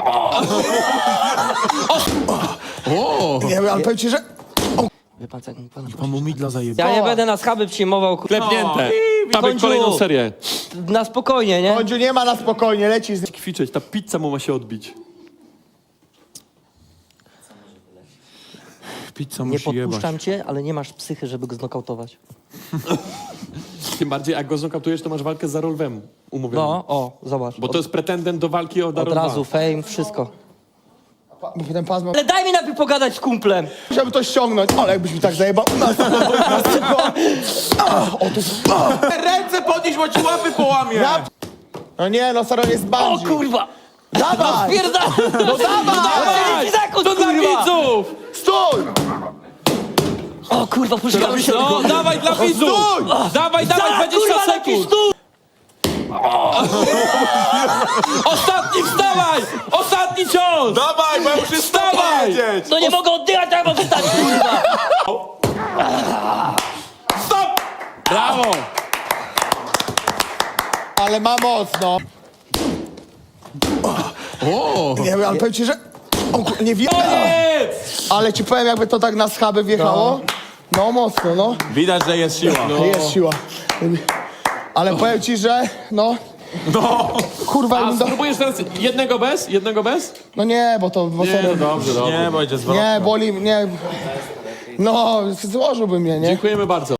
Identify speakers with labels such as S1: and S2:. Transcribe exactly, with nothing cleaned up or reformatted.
S1: O!
S2: Nie wiem, ale powiem ci, że...
S3: Wie pan, co, pan,
S1: Pan mu midla zajebał.
S3: ja nie będę na schaby przyjmował, kur...
S4: Klepnięte. Mamy
S3: Kończu.
S4: kolejną serię.
S3: Na spokojnie, nie?
S2: Końcu nie ma na spokojnie, leci z...
S4: Kwiczeć, ta pizza mu ma się odbić.
S1: Pizza
S3: Nie
S1: musi jebać.
S3: podpuszczam cię, ale nie masz psychy, żeby go znokautować.
S4: Tym bardziej, jak go znokautujesz, to masz walkę z Darolwem umówioną.
S3: No, o, zobacz.
S4: Bo to jest pretendent do walki o
S3: Od
S4: Darolwa.
S3: razu, fame, wszystko.
S2: Bo ten pas ma...
S3: Ale daj mi najpierw pogadać z kumplem.
S2: Chciałbym to ściągnąć, ale jakbyś mi tak zajebał... Na o, to...
S1: Ręce podnieś, bo ci łapy połamie!
S2: Ja... No nie, no Saro jest
S3: O
S2: bandzi.
S3: kurwa!
S2: Dawaj!
S3: Pierdolę!
S2: No dawaj!
S3: To
S4: Dla widzów!
S2: Stój!
S3: O kurwa, puszczam się.
S4: No, dawaj dla widzów! Dawaj, dawaj, dwadzieścia
S3: Kurwa, lepiej
S4: sekund!
S3: stój!
S4: Ostatni, wstawaj! Ostatni cios!
S1: Dawaj, bo ja muszę
S4: Wstawaj!
S1: powiedzieć!
S3: No nie mogę oddychać, jak mam wstać, kurwa!
S4: Stop! Brawo!
S2: Ale ma mocno.
S1: O!
S2: Nie wiem, ale powiem ci, że... O, kur- nie wiem.
S4: Koniec!
S2: Ale ci powiem, jakby to tak na schaby wjechało. No mocno, no.
S1: Widać, że jest siła.
S2: Jest siła. Ale powiem ci, że no...
S1: No!
S2: Kurwa,
S4: A
S2: jakbym do...
S4: spróbujesz teraz jednego bez? Jednego bez?
S2: No nie, bo to... Bo
S4: Nie,
S2: serio-
S4: no dobrze, dobrze.
S1: Nie, bo idzie zwrotnie.
S2: Nie, boli mnie... No, złożyłbym mnie, nie?
S4: Dziękujemy bardzo.